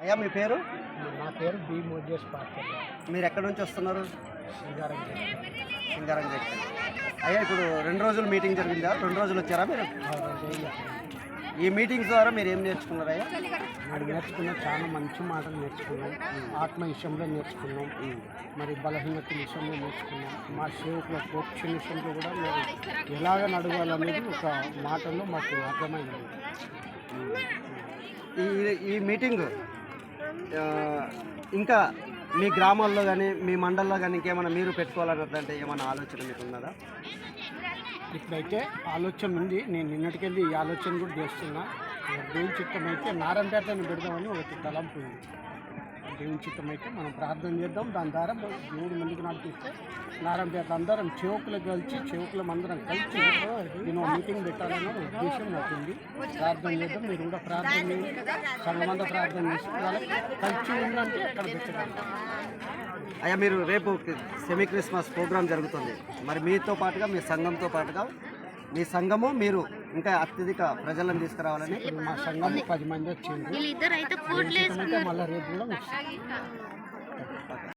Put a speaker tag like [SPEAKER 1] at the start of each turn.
[SPEAKER 1] అయ్యా మీ పేరు?
[SPEAKER 2] నా పేరు బి మోజేష్ పాత్ర.
[SPEAKER 1] మీరు ఎక్కడి నుంచి వస్తున్నారు?
[SPEAKER 2] సింగారం
[SPEAKER 1] సింగారం గట్టి. అయ్యా ఇప్పుడు 2 రోజులు మీటింగ్ జరిగిందా? 2 రోజులు వచ్చారా మీరు? ఈ మీటింగ్స్ ద్వారా మీరు ఏం నేర్చుకున్నారయ్యా?
[SPEAKER 2] నేర్చుకున్నాం, చాలా మంచి మాటలు నేర్చుకున్నాం. ఆత్మ విషయంలో నేర్చుకున్నాం, మరి బలహీనత విషయంలో నేర్చుకున్నాం. మా సేవకుల కోర్చు విషయంలో కూడా మీరు ఎలాగ నడవాలనేది ఒక మాటల్లో మాకు అర్థమైంది.
[SPEAKER 1] ఈ మీటింగ్ ఇంకా మీ గ్రామాల్లో కానీ మీ మండల్లో కానీ ఇంకేమైనా మీరు పెట్టుకోవాలన్నదంటే ఏమైనా ఆలోచన మీకు ఉన్నదా?
[SPEAKER 2] ఇప్పుడైతే ఆలోచన ఉంది. నేను నిన్నటికెళ్ళి ఈ ఆలోచన కూడా చేస్తున్నా. దేవుని చిత్తం అయితే నారాయణపేటను పెడదామని ఒక తలంపు ఉంది. దేవుని చిత్తం అయితే మనం ప్రార్థన చేద్దాం. దాని ద్వారా దేవుడు ముందుకు నడిపిస్తే నారాయణపేట అందరం చెవుకులం అందరం కలిసి నేను మీటింగ్ పెట్టాలన్న ఉద్దేశం నాకు ఉంది. ప్రార్థన చేద్దాం, మీరు కూడా ప్రార్థన చేయండి, సంఘమంతా ప్రార్థన చేసి వాళ్ళకి కలిసి ఉందంటే అక్కడ పెట్టాలి.
[SPEAKER 1] అయ్యా మీరు రేపు సెమీ క్రిస్మస్ ప్రోగ్రాం జరుగుతుంది, మరి మీతో పాటుగా మీ సంఘంతో పాటుగా మీ సంఘము మీరు ఇంకా అత్యధిక ప్రజలను తీసుకురావాలని
[SPEAKER 2] మా సంఘం 10 మంది వచ్చింది. మళ్ళీ రేపు కూడా